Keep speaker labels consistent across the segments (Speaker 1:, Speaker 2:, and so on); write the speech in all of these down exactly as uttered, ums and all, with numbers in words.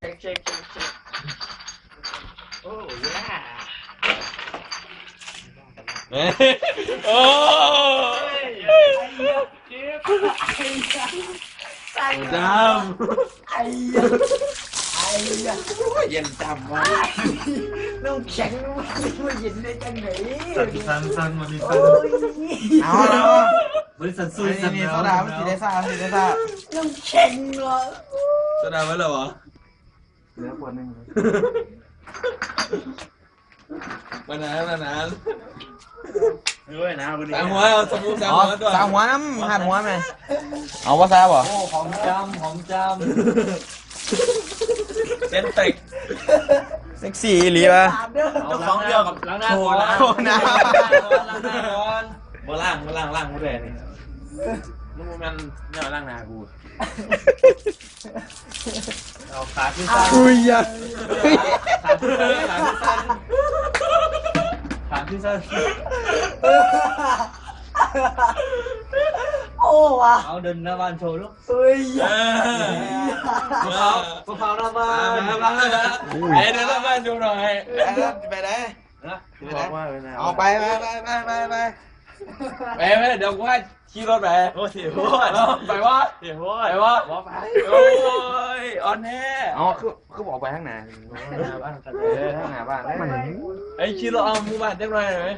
Speaker 1: เช็คเช็คเช็คเช็คโอ้ยย่า
Speaker 2: โอ้จำ
Speaker 1: ไอ้ยาไอ้ยา
Speaker 2: เย็นจำวะ
Speaker 1: น้ำแข็งมันเย็นได้จังไหน
Speaker 3: สันสันวันนี้สั
Speaker 1: โอ้
Speaker 3: น
Speaker 1: ย
Speaker 2: เอาแล้ว
Speaker 3: บริษัทซุย
Speaker 2: นี่
Speaker 3: สัน
Speaker 2: นี่
Speaker 3: แล้ว
Speaker 2: โซดาไม่สีได้ซ่าสีได้ซ่า
Speaker 1: น้ำแข็งเหรอ
Speaker 2: โซดาไม่เหรอวะ
Speaker 3: เหลือขวดหนึ่ง
Speaker 2: มานานมานาน
Speaker 3: ด้วยนะวันนี้
Speaker 2: สามหัวเอาสมุนสามหัวตัว
Speaker 4: สามหัวน้ำหันหัวไหมเอาว่าซาบ่
Speaker 3: โอ้หอมจำหอมจ
Speaker 2: เส้นเต็ก
Speaker 4: เซ็กซี่อีหลีวะ
Speaker 1: ถามเด้อ
Speaker 3: ำเจ้าของเดียวกับล้างหน้าก่อนล้างหน้า
Speaker 4: โอ้น้ำ
Speaker 3: ล้างหน้าก่อน
Speaker 2: มาล่างมาล่างล่างมาเลยนี่มึงมันเนี่ยล่างนากู
Speaker 3: เอาขาขึ้นสั้น
Speaker 4: อุ้ยยะ
Speaker 3: ขาขึ้นสั้นขาขึ้นสั้นขาขึ้นสั้น
Speaker 1: โอ้ว่ะ
Speaker 3: เอาเดินหน้าบ้านโชว์ลูก
Speaker 1: เอ้ย
Speaker 2: เออ
Speaker 3: มะพร้าวมะพร้าวหน้าบ้าน
Speaker 2: มาบ้างแล้วไอ้เดี๋ยวบ้านดูหน่อย
Speaker 4: ไปไหน
Speaker 3: นะบอกว่าเลยนะ
Speaker 4: เอาไปไปไปไปไปไป
Speaker 2: ไปไปเดี๋ยวกูให้ขี่รถไป
Speaker 3: โอ้เสียโว้
Speaker 2: ไปวะ
Speaker 3: เสียโว้
Speaker 2: ไปวะ
Speaker 3: บอกไป
Speaker 2: โอ้ยออนแน่
Speaker 4: เอาคือคือบอกไปข้างหน้า
Speaker 3: หน้าบ้านกัน
Speaker 4: เออข้างหน้าบ้านมัน
Speaker 2: ไอ้ขี่รถเอาหมู่บ้านจังเลยไหม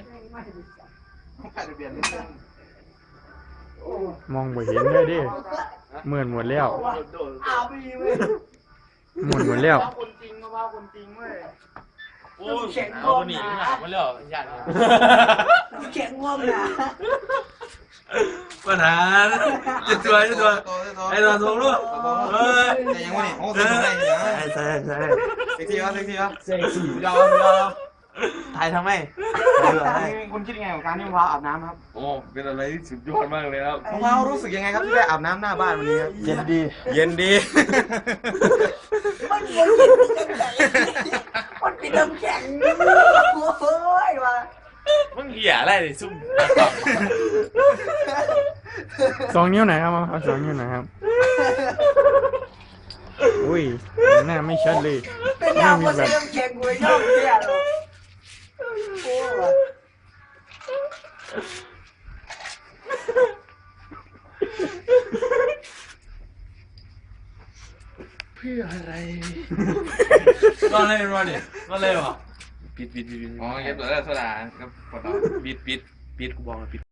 Speaker 5: มองไม่เห็นเลยดิเหมือนหมดแล้ว
Speaker 1: เอาไปเว้ย
Speaker 5: หมดหมดแล้ว
Speaker 1: คนจริงมาว่าคนจริงเว้ย
Speaker 2: โอ้ยเอาหนีหามาแล้วยัน
Speaker 1: น้ำแข็งว่อมนะ
Speaker 2: ปัญหาจะตัวจะตัวไอ้ตัวทงลูกเฮ้ย
Speaker 4: แต่ยังไม่โอ้ตัวไหนเนี่ย
Speaker 3: ใช่ใช่ใช่
Speaker 4: เซ็กซี่วะเซ็กซี่วะ
Speaker 3: เซ็กซี่
Speaker 4: ยอมยอมถ่ายทำไมคุณคิดยังไงกับการที่มะพร้าวอาบน้ำครับ
Speaker 2: โอ้เป็นอะไรที่สุดยอดมากเลยครับ
Speaker 4: มะพร้าวรู้สึกยังไงครับที่ได้อาบน้ำหน้าบ้านวันนี้ครับ
Speaker 3: เย็นดี
Speaker 4: เย็นดี
Speaker 1: มันเย็นจังไหนมันเป็นน้ำแข็งโอ้ยว่ะ
Speaker 2: มึงเหี้ยอะไรเลยซุ่ม
Speaker 5: สองนิ้วไหนครับเอาสองนิ้วไหนครับอุ้ยหน้าไม่ชัดเลย
Speaker 1: เป็นน้ำมันเป็นน้ำแข็งกูชอบแก่หรอโอ้ว่ะ
Speaker 2: นอนเลยนอนดินอนเลยวะปิดปิดปิดอ๋อเก็บตัวแล้วโซดาครับปวดเราปิดปิดปิดกูบอกปิด